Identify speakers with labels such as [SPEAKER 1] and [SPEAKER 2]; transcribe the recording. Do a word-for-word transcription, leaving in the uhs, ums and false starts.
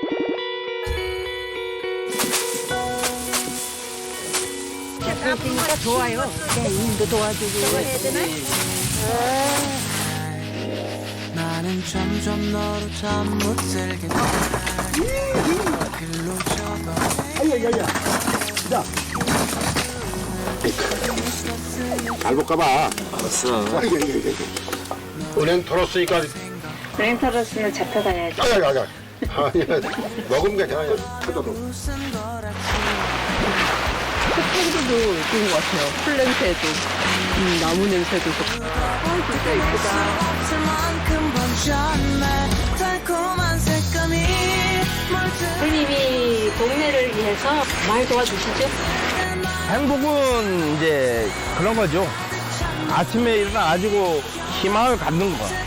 [SPEAKER 1] 그러니까 좋아요. 네, 일도 도와주고. 저거 해야 되나?
[SPEAKER 2] 나는 점점 너로 잠 못 들게 돼. 길로 접어.
[SPEAKER 3] 아야, 야야. 자. 잘 볼까봐.
[SPEAKER 4] 알았어.
[SPEAKER 3] 은행 털었으니까.
[SPEAKER 1] 은행 털었으면 잡혀가야지.
[SPEAKER 3] 아야, 야야. 아니야. 먹으면 괜찮아요. 그래도.
[SPEAKER 5] 향기도 좋은 것 같아요. 풀 냄새도, 음, 나무 냄새도 좋고. 아, 진짜 이쁘다.
[SPEAKER 1] 선생님이 동네를 위해서 많이 도와주시죠?
[SPEAKER 4] 행복은 이제 그런 거죠. 아침에 일어나가지고 희망을 갖는 거.